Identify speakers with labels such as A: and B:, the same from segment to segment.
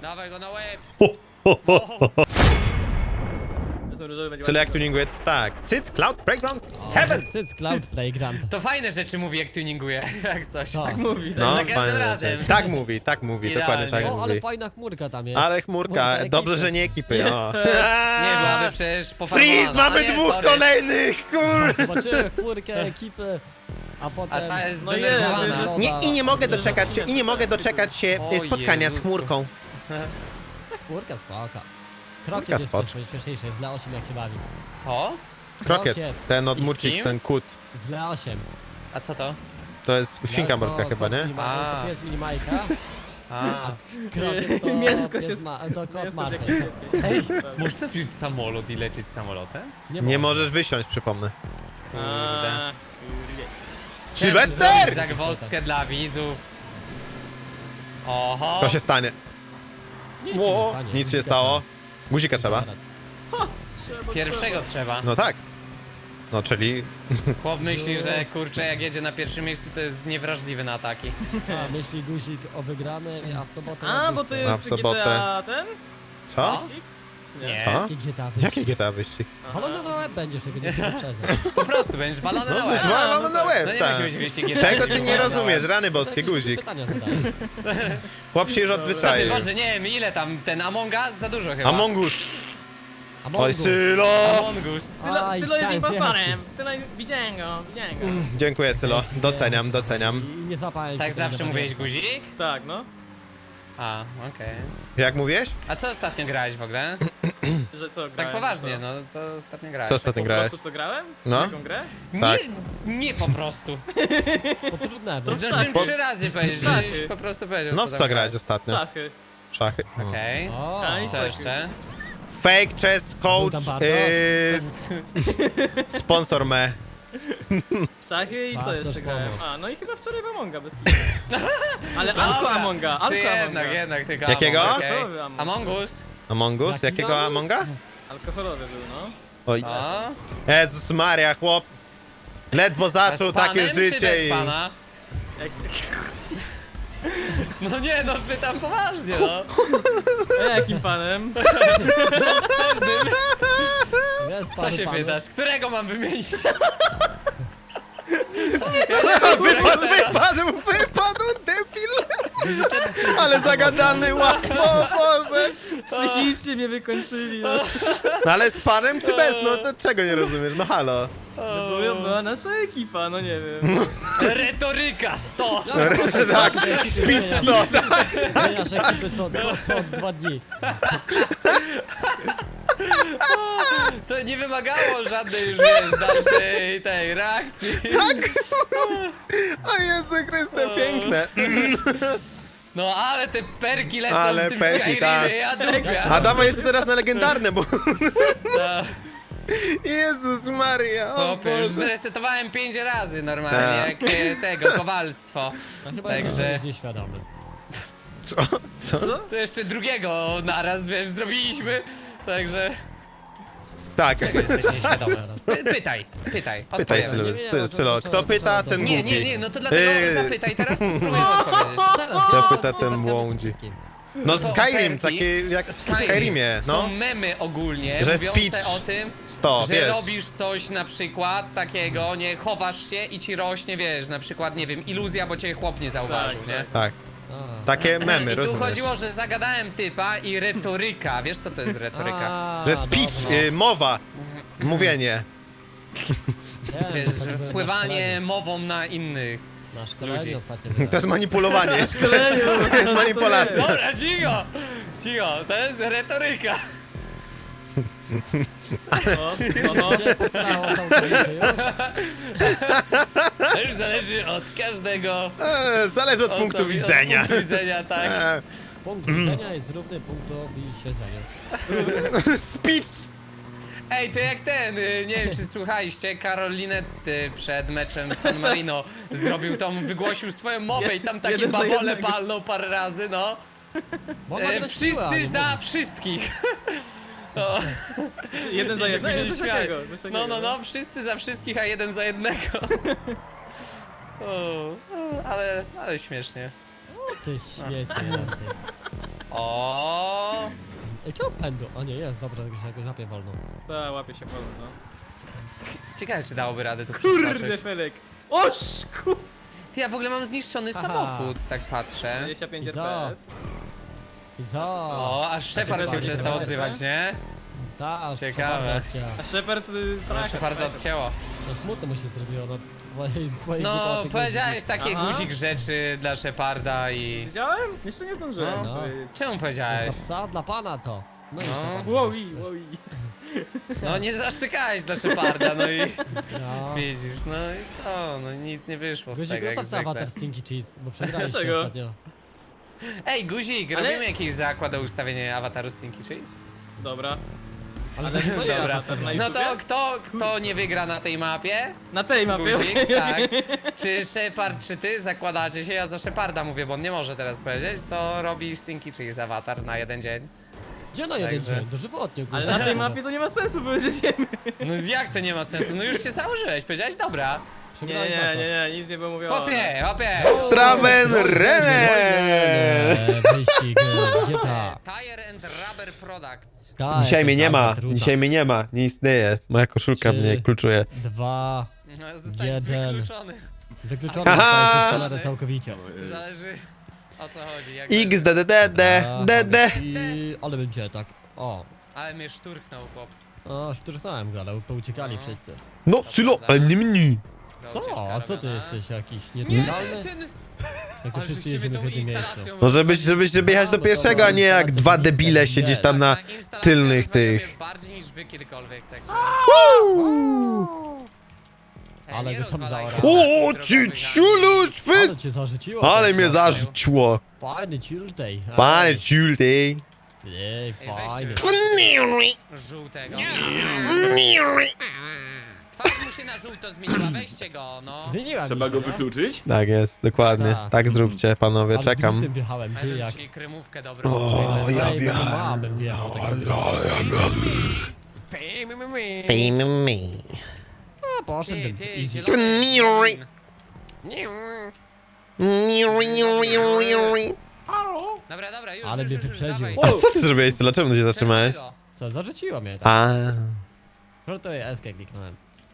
A: Dawaj go na łeb!
B: Cyle jak tuninguje, tak. Cyc, Cloud, Playground 7!
C: Cyc, Cloud Playground.
A: To fajne rzeczy mówi, jak tuninguje, jak coś.
C: Tak.
D: Tak mówi, tak.
B: No,
A: za każdym
B: fajne
A: razem.
B: rzeczy. Tak mówi, dokładnie tak
A: Idealnie.
C: O, ale
B: mówi.
C: fajna chmurka tam jest.
B: Ale chmurka,
C: ekipy.
B: dobrze, że nie ekipy, o.
A: Nie, byłaby przecież pofarmowana.
B: Freeze, mamy
A: A nie,
B: dwóch
A: sorry.
B: kolejnych, kur...
C: Zobaczymy chmurkę, ekipy, a potem...
A: A ta jest
D: No
A: zdenerwowana.
D: jest.
B: Nie, i nie mogę doczekać się
A: O
B: spotkania z
A: Jezusko.
B: chmurką.
C: Chmurka spoko.
B: Chmurka
C: Krokiet jest
B: spoko.
C: śmieszniejszy, z Leosiem jak się bawi.
A: O?
B: Krokiet, ten od
A: I z
B: Murcik,
A: kim?
B: ten kut.
C: Z Leosiem.
A: A co to?
B: To jest świnka morska chyba, nie?
A: A.
C: To jest minimajka,
A: A,
C: krokiet to
D: Mięsko
C: pies
D: się-
C: to kot Marty.
A: ej, można wziąć samolot i lecieć samolotem?
B: Nie
C: można.
B: możesz wysiąść, przypomnę.
A: Kurde.
B: Sylwester!
A: Zagwozdkę dla widzów. Oho.
B: To się stanie.
C: Nic się nie
B: Ło,
C: stanie.
B: nic się nie stało. Guzika trzeba.
A: Pierwszego trzeba.
B: No tak. No, czyli...
A: Chłop myśli, że kurczę, jak jedzie na pierwszym miejscu, to jest niewrażliwy na ataki.
C: A, myśli guzik o wygranej, a w sobotę...
D: A, bo to
B: A
D: jest
B: w sobotę.
D: GTA ten?
B: Co?
A: Nie.
B: Co?
C: Jakie GTA wyścig?
B: Jakie GTA wyścig?
C: Walony na łeb będziesz, tego nie wyprzedzę.
A: Po prostu będziesz walony na
B: No,
A: łeb.
B: wyżwalony na
A: No
B: łeb,
A: nie
B: tak.
A: musi być wyścig
B: Czego ty nie rozumiesz, rany boskie, guzik?
C: Pytania zadaję.
B: Chłop się już
A: Co ty,
B: odzwyczaił.
A: Boże, nie wiem ile tam, ten Among Us za dużo chyba.
B: Among Us.
C: Among
B: Oj,
C: Us.
B: Sylo!
A: Among Us.
C: Aj,
D: Sylo jest
C: chciałem
D: impostorem. Sylo, widziałem go.
B: Dziękuję, Sylo. Doceniam, doceniam.
C: I nie złapałem
A: Tak
C: się
A: zawsze
C: tego
A: mówiłeś
C: wariata.
A: guzik?
D: Tak, no.
A: A, okej.
B: Jak mówiłeś?
A: A co ostatnio grałeś w ogóle?
D: Że co, grałem?
A: Tak poważnie,
D: co?
A: no co ostatnio grałeś?
B: Co ostatnio
D: Po
B: grałeś?
D: prostu co grałem?
B: No.
D: Taką grę?
B: Tak.
A: Nie po prostu.
C: To trudne, bo
A: Zdążyłem
B: Po-
A: 3 razy powiedzieć,
D: Tak.
A: żeś po prostu powiedział,
B: No w
A: tam
B: co grałeś ostatnio?
D: Szachy.
B: Szachy?
A: Okej.
C: O,
D: A, i
A: Co jeszcze?
B: Fake chess coach,
C: tam bardzo.
B: sponsor me.
D: Szachy i co
C: Bartosz
D: jeszcze grałem?
C: pomógł.
D: A, no i chyba wczoraj w Amonga bez kitu. Ale Alko Amonga,
A: Czy
D: Alko
A: jednak,
D: Amonga.
A: jednak tylko
B: Jakiego?
A: Among, okej.
D: Alkoholowy Among.
A: Among Us.
B: Among Us?
C: Jaki
B: Jakiego
C: Among?
B: Amonga?
D: Alkoholowy był, no.
B: Oj.
A: O.
B: Jezus Maria, chłop. Ledwo zaczął
A: Z panem,
B: takie
A: czy bez
B: życie i...
A: pana?
D: Jak...
A: No nie, no pytam poważnie, no.
D: A jakim panem?
C: jest
A: Co
C: panu
A: się
C: panu.
A: pytasz? Którego mam wymienić?
B: Wypadł, debil! Ale zagadany, łatwo, Boże!
D: Psychicznie mnie wykończyli, no.
B: No ale z panem czy bez? No to czego nie rozumiesz? No halo.
D: Była nasza ekipa, no nie wiem.
A: Retoryka 100!
B: Tak, speed 100, tak.
C: Zmieniasz ekipy co 2 dni.
A: To nie wymagało żadnej już, wiesz, dalszej tej reakcji.
B: O Jezu Chryste, piękne.
A: No ale te perki lecą
B: Ale
A: w tym
B: perki,
A: Skyrimie,
B: tak.
A: ja dupia.
B: A dawaj jeszcze teraz na legendarne, bo...
A: No,
B: Jezus Maria, o
A: chłopie, już
B: Boże.
A: zresetowałem 5 razy normalnie,
B: Tak.
A: jak tego, kowalstwo.
C: No chyba
A: Także-
C: jesteś nieświadomy.
B: Co? Co?
A: To jeszcze drugiego naraz, wiesz, zrobiliśmy. Także
B: Tak.
A: czego jesteś nieświadomy? Pytaj,
B: Pytaj,
A: odpowiemy.
B: Sylo,
C: Nie wiem,
B: Sylo.
C: to-
B: Kto
C: to-
B: pyta,
C: to-
B: ten
A: Nie,
B: głupi.
A: nie, nie, no to dlatego zapytaj, teraz to spróbuję odpowiedzieć.
C: Teraz
B: To
C: ja
B: pyta
C: mam
B: ten
C: spotkamy
B: łądzi.
C: z wszystkim.
B: No
A: To
B: Skyrim,
A: oferki.
B: takie jak w Skyrimie,
A: Są
B: no.
A: memy ogólnie,
B: Że
A: mówiące
B: speech
A: o tym,
B: 100,
A: że
B: wiesz.
A: robisz coś na przykład takiego, nie chowasz się i ci rośnie, wiesz, na przykład, nie wiem, iluzja, bo cię chłop nie zauważył,
D: Tak,
A: nie?
B: Tak.
C: A.
B: Takie memy,
A: I tu
B: rozumiesz?
A: chodziło, że zagadałem typa i retoryka, wiesz co to jest retoryka?
C: A,
B: Że speech,
C: dobra.
B: mowa, mówienie.
C: Nie,
A: Wiesz,
C: to
A: że
C: tak były
A: wpływanie mową na innych.
C: Na szkoleniu
A: ludzi.
C: ostatnio
B: To
C: byłem.
B: jest manipulowanie. To jest manipulacja.
A: Dobra, cicho! Cicho, to jest retoryka.
D: No,
C: Cię posrało całkowicie już?
A: To już zależy od każdego
B: Zależy od punktu
A: osobi-
B: widzenia.
A: Od punktu widzenia, tak.
C: Punkt widzenia jest równy punktowi siedzenia.
B: Speech.
A: Ej, to jak ten, nie wiem czy słuchaliście, Karol Linetty przed meczem San Marino wygłosił swoją mowę i tam takie
D: Jeden za
A: babole
D: jednego.
A: palnął parę razy, no.
C: Bo ona gra siła,
A: Wszyscy
C: nie
A: za
C: mogę.
A: wszystkich.
D: jeden za
A: I się
D: jednego,
A: później
D: coś
A: śmiali.
D: takiego, coś takiego.
A: No, wszyscy za wszystkich, a jeden za jednego. Ale śmiesznie.
C: Ty śmiecie. Ty.
A: O,
C: Ej, czemu pędu? O nie, jest, dobra, tylko się jakoś łapie wolno.
D: Ta, łapie się wolno, no.
A: Ciekawe, czy dałoby radę tu
D: Kurde,
A: przeskoczyć.
D: Felek! Oż, kurde!
A: Ty, ja w ogóle mam zniszczony
C: Aha.
A: samochód, tak patrzę.
D: 25
C: I co?
D: FPS.
C: I co?
A: O, aż Shepard się
D: Takie
A: przestał
D: fajne.
A: odzywać, nie?
C: Ta, aż
A: Ciekawe.
D: A Shepard tak.
A: Sheparda odcięło.
C: No smutno mu się zrobiło, no z twojej
A: No, powiedziałeś takie
D: Aha.
A: guzik rzeczy dla Sheparda i...
D: Widziałem? Jeszcze nie zdążyłem.
C: No.
A: Czemu
C: Dla
A: powiedziałeś?
C: psa, dla pana to. No i
A: No.
C: Shepard.
D: Wowi, wowi.
A: No nie zaszczekałeś dla Sheparda, no i
C: No.
A: widzisz, no i co, no nic nie wyszło z
C: Guzik,
A: tego jak
C: zostaw
A: zwykle.
C: awatar Stinky Cheese, bo przegraliście
D: Dlaczego?
C: ostatnio.
A: Ej, Guzik,
D: Ale-
A: robimy jakiś zakład o ustawienie awataru Stinky Cheese?
D: Dobra.
C: Ale
D: Ale
C: to
D: dobra,
C: ja
D: to
C: zostawiam.
D: na
A: No to
D: YouTubie?
A: kto nie wygra na tej mapie?
D: Na tej mapie.
A: Guzik, tak. Czy Shepard, czy ty zakładacie się? Ja za Sheparda mówię, bo on nie może teraz powiedzieć, to robi Stinky Cheese awatar na jeden dzień.
C: Gdzie na jeden
A: Także-
C: dzień? Dożywotnie,
D: Ale na tej mapie to nie ma sensu, bo jedziemy.
A: No jak to nie ma sensu? No już się założyłeś, powiedziałeś dobra.
D: Nie,
C: Przegrałeś
D: nie,
C: zakład.
D: nie, nic nie było mówione.
A: Hopie, hopie.
B: Straven René!
C: Wyścig, gdzie ta?
A: Tire and Rubber Products.
C: Ta,
B: Dzisiaj
C: jaka
B: mnie nie ma,
C: nazwa trudna.
B: dzisiaj mnie nie ma, nie istnieje. Moja koszulka
C: 3,
B: mnie kluczuje.
C: 2,
A: No, zostałeś
C: Jeden.
A: wykluczony.
C: wykluczony
B: Aha!
C: zostaje przez kamerę całkowicie.
A: Zależy o co chodzi. Jak
B: X, D, D, D, D, D, D.
C: I... Ale bym cię tak, o.
A: Ale mnie szturchnął chłop.
C: O, szturchnąłem go, ale pouciekali
A: No.
C: wszyscy.
B: No, Sylo, ale nie mnie.
C: Co? A co ty jesteś jakiś
A: Nie,
C: nietykalny?
A: ten...
C: Jak to
A: Ale
C: wszyscy
A: żeście mnie
C: jedziemy
A: tą
C: w jednym miejscu.
A: instalacją...
B: No żeby jechać do pierwszego, a nie jak dwa debile siedzieć tam na
A: Ta instalacja
B: tylnych
A: rozwaliła mnie
B: tych.
A: bardziej niż wy kiedykolwiek, także... Ej,
C: Ale
A: nie
C: go tam
A: rozwalajcie
C: zaorał.
B: O,
A: znaków
B: ci
A: drogowych
B: ciulu,
C: Ale
B: szwy!
C: cię zarzuciło.
B: Ale
C: tak,
B: mnie
C: tak.
B: zarzuciło.
C: Fajny ciultej.
B: Fajne ciulty.
C: Ej, fajny.
A: ani żółtego. Twarz mu się na żółto zmieniła, weźcie go, no.
C: Zmieniła
E: Trzeba
C: mi się,
E: go
C: no.
E: wykluczyć?
B: Tak jest, dokładnie.
C: Tak.
B: Tak zróbcie, panowie,
C: Ale
B: czekam.
C: driftem wjechałem,
A: A
C: ty
A: ja
C: jak.
A: dzisiaj kremówkę dobrą.
B: O, ja
C: Ej,
B: wjechałem.
C: bym wjechał takiego
B: Fame me.
C: A, poszedł
A: Ty,
C: ten
A: ty,
C: easy.
A: zielony. Dobra, dobra, już,
C: Ale
A: już,
C: mnie
A: już,
C: wyprzedził.
A: dawaj.
B: A co ty zrobiłeś, Sylo? Czemu się zatrzymałeś?
A: Czerwonego.
C: Co, zarzuciło mnie tak.
B: A.
C: Żartuję, eskę kliknąłem.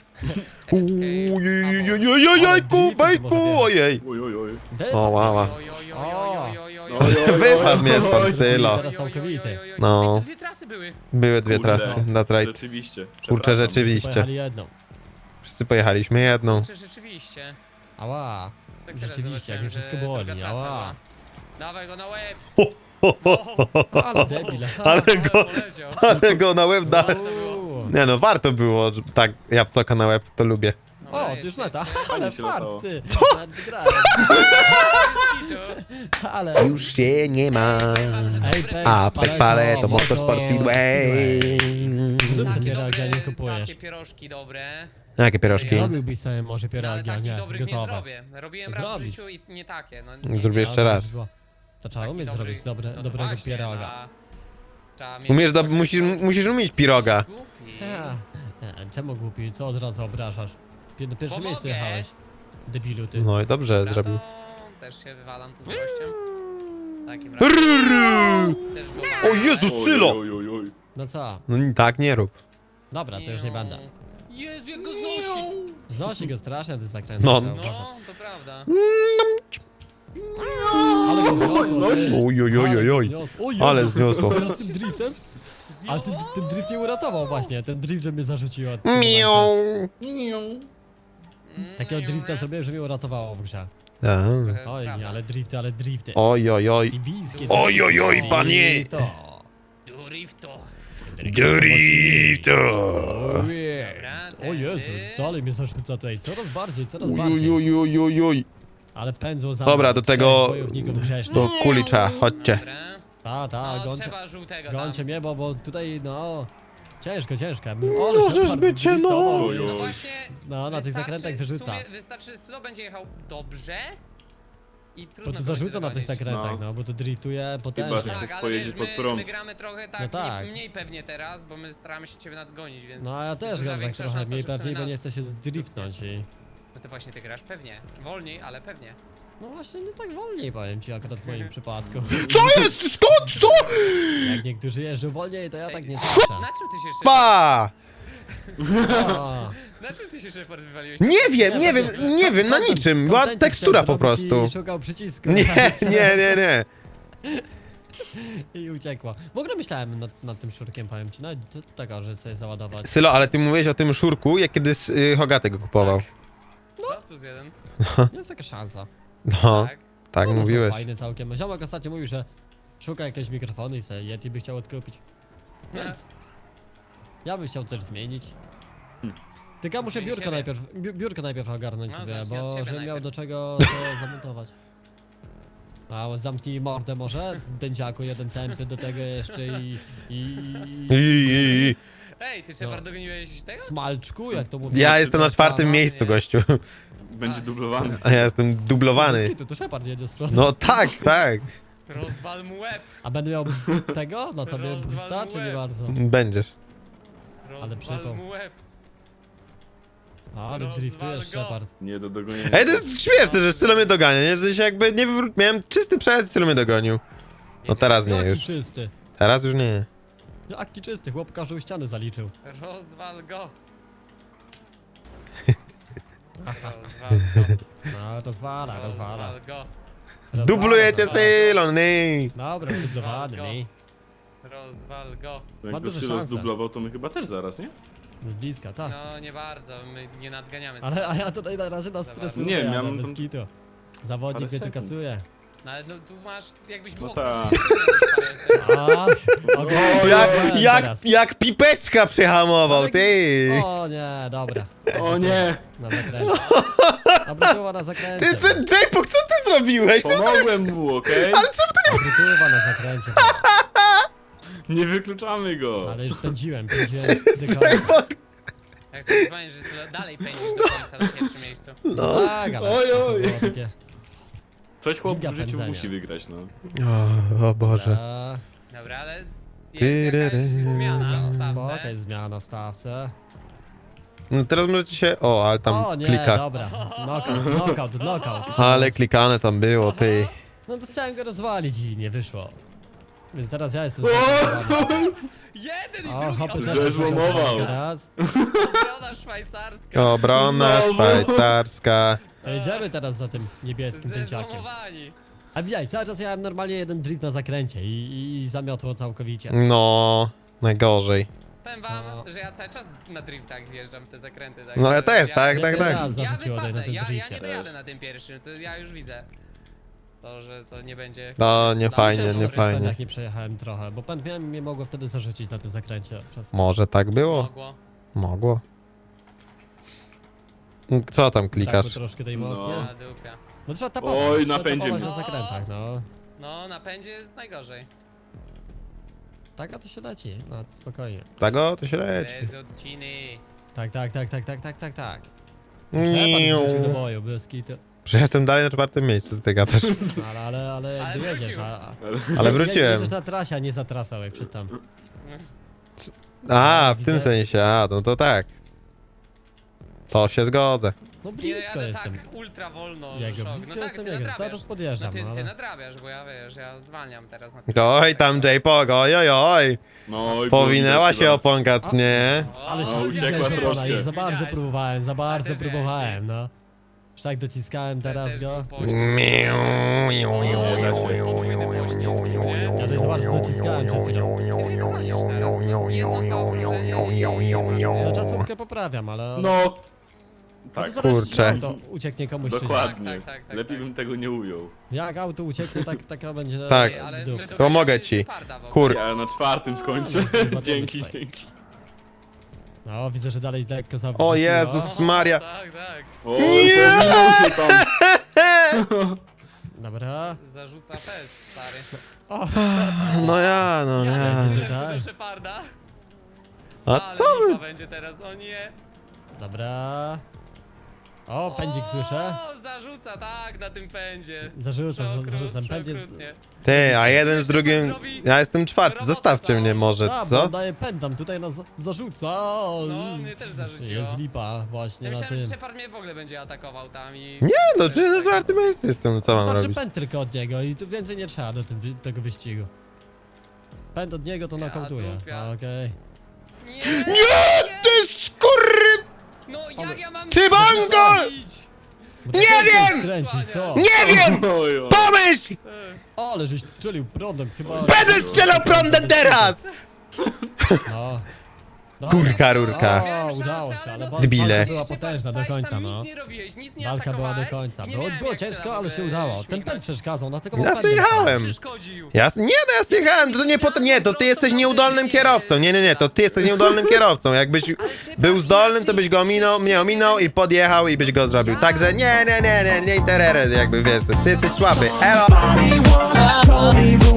B: Ojejku, bejku, ojej.
E: Oj, oj, oj.
C: Dead
B: O, wow.
A: Oj, oj, oj, oj, oj, oj, oj.
E: Oj, oj,
B: Wypadł
E: oj,
B: mnie
E: oj,
B: stąd,
E: oj.
B: Sylo.
C: Teraz całkowity.
B: No.
A: Ej, to dwie trasy były.
B: Były dwie
E: Kurde.
B: trasy, that's right.
E: Rzeczywiście.
B: Kurczę,
E: przepraszam.
B: rzeczywiście.
C: Pojechali jedną.
B: Wszyscy pojechaliśmy jedną.
A: Czy rzeczywiście?
C: Ała.
A: Tak teraz
C: Rzeczywiście, jak
A: zobaczyłem,
C: mi wszystko
A: że
C: boli,
A: druga trasa
C: ała.
A: była. Dawaj go na łeb.
C: Ale debil.
B: Ale go,
A: Poleciał.
B: ale go na łeb da.
C: Uuu.
B: Nie no, warto było, że tak, jabłcoka na łeb, to lubię.
A: Dobra,
C: O,
A: jedź,
C: ty już
A: jedź,
C: lata.
A: jedź.
C: Ale
E: się latało.
C: farty.
B: Co?
A: Skitu.
C: Ale...
B: Już się nie ma.
C: Apex,
B: Apex Paleto, Motorsport Speedway.
C: Zrób
A: Takie
C: sobie
A: dobre,
C: pierogi, a nie kupujesz.
A: takie pierożki dobre.
B: Jakie pierożki?
C: Zrobiłbyś sobie może
A: No, ale
C: pierogi, a
A: takich
C: nie
A: dobrych nie
C: gotowe.
A: zrobię. Robiłem raz w
C: Zrobić.
A: życiu i nie takie. No, nie,
B: Zrobię
A: nie.
B: jeszcze raz.
C: To trzeba
A: Taki
C: umieć
A: dobry-
C: zrobić
A: no to
C: dobrego
A: właśnie,
C: pieroga.
A: trzeba mieć-
B: Umiesz, musisz umieć piroga.
A: Głupi.
C: Czemu głupi? Co od razu obrażasz? Na pierwsze
A: Bo
C: miejsce
A: mogę.
C: jechałeś. Debilu ty.
B: No i dobrze
A: Dobra,
B: zrobił.
A: to też się wywalam tu z gościem. W takim razie też go mam.
B: O Jezus,
E: Oj,
B: Sylo!
E: oj, oj, oj.
C: No co?
B: No tak nie rób.
C: Dobra, to już nie będę.
A: Jezu, jak go znosi!
C: Znosi go strasznie, ty zakręt.
B: No.
C: trzeba uważać.
A: No, to prawda.
C: Ale go zniosło, ty.
B: Oj, oj, oj, oj, oj. Ale zniosło.
C: Teraz tym driftem? Ale ten drift mnie uratował właśnie, ten drift, że mnie zarzuciło.
B: Miau.
C: Takiego drifta zrobiłem, że mnie uratowało w grze.
B: Tak.
A: Trochę
C: Oj,
A: prawda.
C: ale drifty.
B: Oj, oj, oj.
C: Tibijskie.
B: Oj, oj, oj,
C: drifty.
B: panie.
C: Drifto.
A: Drifto.
B: Drifto.
C: Ojej.
A: Dobra,
C: O Jezu,
A: tędy.
C: dalej mnie zarzuca tutaj, coraz bardziej.
B: Oj, oj, oj, oj, oj.
C: Ale pędzą za
B: Dobra,
C: mną
B: do
C: trzech
B: tego-
C: wojowników grzesznych.
B: Do kulicza, chodźcie.
A: Dobra.
C: Ta,
A: No,
C: gońcie,
A: trzeba żółtego tam.
C: gońcie mnie, bo tutaj, no... Ciężko.
B: Możesz być, no.
E: Oj,
A: No
E: oj.
A: właśnie,
C: No, na tych
A: wystarczy-
C: zakrętach wyrzuca.
A: W sumie wystarczy, Sylo będzie jechał dobrze i trudno
C: Bo to
A: go
C: zarzuca
A: będzie
C: na tych
A: dogonić.
C: zakrętach, no, bo to driftuje potężnie.
E: Chyba, że-
A: Tak, ale
E: pojedziesz
A: wiesz,
E: pod
A: my
E: prąd.
A: gramy trochę tak,
C: No tak.
A: mniej pewnie teraz, bo my staramy się ciebie nadgonić, więc...
C: No, a ja
A: jest
C: też
A: duża
C: gram tak
A: większa
C: trochę
A: szansa,
C: mniej
A: że w sumie
C: pewniej, bo
A: nas-
C: nie chcę się zdriftnąć i...
A: No to właśnie ty grasz pewnie. Wolniej, ale pewnie.
C: No właśnie, nie tak wolniej powiem ci akurat w moim przypadku.
B: Co jest? Skąd? Co?
C: Jak niektórzy jeżdżą wolniej, to ja tak nie słyszę.
A: Na czym ty się Shepard...
B: Pa!
C: O,
A: Na czym ty się Shepard wywaliłeś?
B: Nie wiem, na niczym. Była
C: kontencik
B: tekstura
C: chciałem
B: po
C: zrobić
B: prostu.
C: I szukał przycisku.
B: Nie.
C: I uciekła. W ogóle myślałem nad tym szurkiem, powiem ci, nawet tego, że sobie załadować.
B: Sylo, ale ty mówiłeś o tym szurku, jak kiedy Hogaty go kupował.
A: 2+1.
C: Jest taka szansa.
B: No,
A: Tak.
B: tak
C: One są
B: mówiłeś.
C: fajne całkiem. Ziomek ostatnio mówił, że szuka jakiegoś mikrofonu i sobie Yeti by chciał odkupić. Więc ja bym chciał coś zmienić. Tylko ja muszę
A: Zmieni
C: biurko
A: siebie.
C: biurko najpierw ogarnąć
A: No,
C: sobie,
A: zacznij od
C: bo
A: siebie
C: żebym miał
A: najpierw.
C: do czego to zamontować. A zamknij mordę może, dędziaku, jeden tępy do tego jeszcze i
A: Ej, ty Shepard dogoniłeś tego?
C: smalczku, jak to mówię.
B: Ja jestem na 4. miejscu, gościu.
E: Będzie dublowany.
B: A ja jestem dublowany.
C: To Shepard jedzie z przodu.
B: No tak.
A: Rozwal mu łeb.
C: A będę miał tego? No to mnie
A: Rozwal
C: boosta,
A: mu
C: czy nie
A: łeb.
C: bardzo?
B: Będziesz.
A: Rozwal
C: przypał.
A: mu łeb.
C: Ale
A: Rozwal
C: driftujesz,
A: go.
C: Shepard.
E: Nie do dogonienia.
B: Ej, to jest śmieszne, że Sylo mnie dogania, nie? Że się jakby nie miałem czysty przejazd, Sylo mnie dogonił. No teraz nie
C: Jaki
B: już.
C: czysty.
B: Teraz już nie.
C: Jaki czysty, chłop każdą ścianę zaliczył.
A: Rozwal go.
C: No, rozwala.
A: Rozwal go.
B: Dublujecie Sylo, nie.
C: Dobra, dublowany, nie?
A: Rozwal go.
C: Ma
E: Jak go
C: duże
E: Sylo
C: szanse.
E: zdublował, to my chyba też zaraz, nie?
C: Z bliska, tak.
A: No nie bardzo, my nie nadganiamy
C: Ale a ja tutaj na razie nas stresuję,
E: Nie,
C: ale
E: miałem
C: bez
E: tam
C: kitu. Zawodnik
E: parę
C: mnie tu
E: sekund.
C: kasuje.
A: No ale no, tu masz, jakbyś był
E: tak.
C: A, okej, teraz.
B: Jak pipeczka przehamował, ty.
C: O nie, dobra.
E: O nie!
C: Na zakręcie. Obrytyła na zakręcie.
B: Ty, co, J-Pok, co ty zrobiłeś?
E: Pomogłem mu, okej?
C: Obrytywa na zakręcie.
E: Nie wykluczamy go!
C: Ale już pędziłem do końca.
B: J-Pok.
A: Jak chcesz powiedzieć, że dalej pędzisz do końca na pierwszym miejscu.
B: No.
C: Tak, ale
E: Oj,
C: to
E: oj.
C: było takie...
E: Coś chłop
C: Giga
E: w życiu
C: pędzenia.
E: musi wygrać, no.
B: O Boże.
A: Dobra, ale jest
B: Tyryry.
A: jakaś zmiana w
C: Spoko,
A: stawce.
C: jest zmiana w stawce.
B: No teraz możecie się... O, ale tam
C: O nie,
B: klika.
C: dobra. Knockout.
B: Ale klikane tam było, ty.
C: No to chciałem go rozwalić i nie wyszło. Więc teraz ja jestem zaskoczony.
A: Jeden i
C: O,
A: drugi,
C: hopy
E: Że
C: też
E: złomował.
C: teraz.
A: obrona szwajcarska.
B: Obrona
E: Znowu.
B: szwajcarska.
C: To jedziemy teraz za tym niebieskim dęciakiem.
A: Zezłomowani.
C: A widziałeś, cały czas jałem normalnie jeden drift na zakręcie i zamiotło całkowicie.
B: No, najgorzej.
A: Powiem wam,
C: No.
A: że ja cały czas na driftach wjeżdżam w te zakręty. Tak,
B: No ja
A: że
B: też, tak.
C: Jeden raz
A: Ja
C: zarzuciło tutaj na
A: wypadnę,
C: tym
A: ja
C: drifcie.
A: nie dojadę
E: Też.
A: na tym pierwszym, to ja już widzę. To, że to nie będzie...
B: No, nie
A: Dla
B: fajnie,
A: mnie
B: nie
A: to
B: fajnie.
C: Jak nie przejechałem trochę, bo pęd mnie mogło wtedy zarzucić na tym zakręcie. Przez...
B: Może tak było?
A: Mogło.
B: Mogło. Co tam
C: Brakło
B: klikasz?
C: troszkę tej mocy.
E: No.
A: Na dupia.
C: No trzeba tapować.
E: Oj,
C: trzeba
E: napędzie
C: tapować
E: mnie.
C: na zakrętach, no.
A: No, na pędzie jest najgorzej.
C: Tak, a to się leci, no spokojnie.
B: Tego to się leci.
A: Bez odciny.
C: Tak. Shepard
B: Niu.
C: wrócił do boju, bez kitu.
B: Że jestem dalej na 4. miejscu, ty gadasz.
C: Ale jakby
A: wrócił.
C: jedziesz,
B: Ale wróciłem.
C: Jedziesz na trasie, a nie za trasą, jak przed tam.
B: A, w
C: Widzę.
B: tym sensie, a, no to tak. To się zgodzę.
C: No
A: Nie
C: blisko
A: jadę
C: jestem.
A: tak ultra wolno,
C: Jego,
A: że szok.
C: blisko
A: No tak,
C: jestem
A: ty
C: jego, cały
A: nadrabiasz.
C: czas podjeżdżam,
A: No ty
C: ale...
A: nadrabiasz, bo ja wiesz, ja zwalniam teraz na
B: Oj, tam J-Pog, oj.
E: No, oj,
B: Powinęła
E: było
B: się
E: widać
B: oponka, nie?
C: Ale
A: O,
C: się
E: uciekła
C: uciekła
E: troszkę.
C: już za bardzo
A: Widziałeś.
C: próbowałem, za bardzo
A: też miałem
C: próbowałem,
A: szczęście.
C: no. Już tak dociskałem teraz
A: Też
C: go.
A: był poślizg. Podwójny poślizg, nie?
C: Ja tutaj za bardzo dociskałem przed chwilą.
A: Ty dogonisz zaraz, no, jedno dwa okrążenia
C: No czasówkę poprawiam, ale...
E: No!
C: to
E: Tak,
C: zaraz
B: kurczę.
C: auto ucieknie komuś czy nie.
E: dokładnie.
A: Tak,
E: Lepiej
A: tak.
E: bym tego nie ujął.
C: Jak auto ucieknie, tak będzie...
B: Tak.
A: Ej, ale
C: dół.
A: my to
B: Pomogę
A: będziemy
B: ci.
A: Sheparda w ogóle.
B: Kur...
E: Ja na 4. skończę.
C: No,
E: Dzięki,
C: tutaj.
E: dzięki.
C: No, widzę, że dalej lekko zawróciło.
B: O Jezus Maria.
A: Tak.
E: Oj, powinął się tam.
C: Dobra.
A: Zarzuca fest, stary.
B: No ja.
C: Jezu.
A: Jadę
C: tak.
A: do Sheparda.
B: A
A: Ale
B: co
A: lipa
B: wy?
A: będzie teraz, o nie.
C: Dobra. O, pędzik słyszę.
A: O, zarzuca, tak, na tym pędzie.
C: Zarzucam.
A: Przeokrutnie.
C: Pędź jest...
B: Ty, a jeden z drugim... Ja jestem 4, zostawcie mnie może,
C: A, bo
B: co?
C: on daje pędam, tutaj nas zarzuca.
A: No, mnie też zarzuciło.
C: Jest lipa właśnie
A: Ja
C: na
A: myślałem, że
C: tym.
A: Shepard mnie w ogóle będzie atakował tam i...
B: Nie no, czy na 4. miejscu jestem, no co mam
C: Wystarczy
B: robić?
C: pęd tylko od niego i tu więcej nie trzeba do tego wyścigu. Pęd od niego to
A: Ja
C: nokautuję.
A: dupia.
C: Okej.
B: Nie, ty skurry...
A: No jak ja mam...
B: Cybango!
A: zrobić?
C: Bo
B: Nie
C: ty
B: wiem!
C: Skręcić, co?
B: Nie wiem!
E: Oj, oj.
B: Pomyśl!
C: O, ale żeś strzelił prądem chyba.
B: Będę strzelał prądem teraz!
C: No.
B: Kurka, rurka.
C: O,
A: Miałem
C: udało
A: szansę,
C: się,
A: ale
C: ale
A: no,
C: walka
B: Debile.
C: była potężna do
A: Stałeś
C: końca,
A: tam,
C: no.
A: Nic nie robiłeś, nic nie
C: Walka była do
A: atakowałeś
C: końca.
A: i nie
C: Było,
A: miałem
C: było
A: jak
C: ciężko, ale się
A: sobie
C: udało. Ten
A: śmigać.
C: pęd przeszkadzał, dlatego
B: Ja
C: pędem
B: zjechałem.
A: Przeszkodził.
B: Ja, nie, no ja zjechałem, to nie potem, nie, to ty jesteś nieudolnym kierowcą, nie, to ty jesteś nieudolnym kierowcą, jakbyś był zdolnym, to byś go ominął, mnie ominął i podjechał i byś go zrobił, także nie, nie, terere, jakby wiesz, ty jesteś słaby, elo!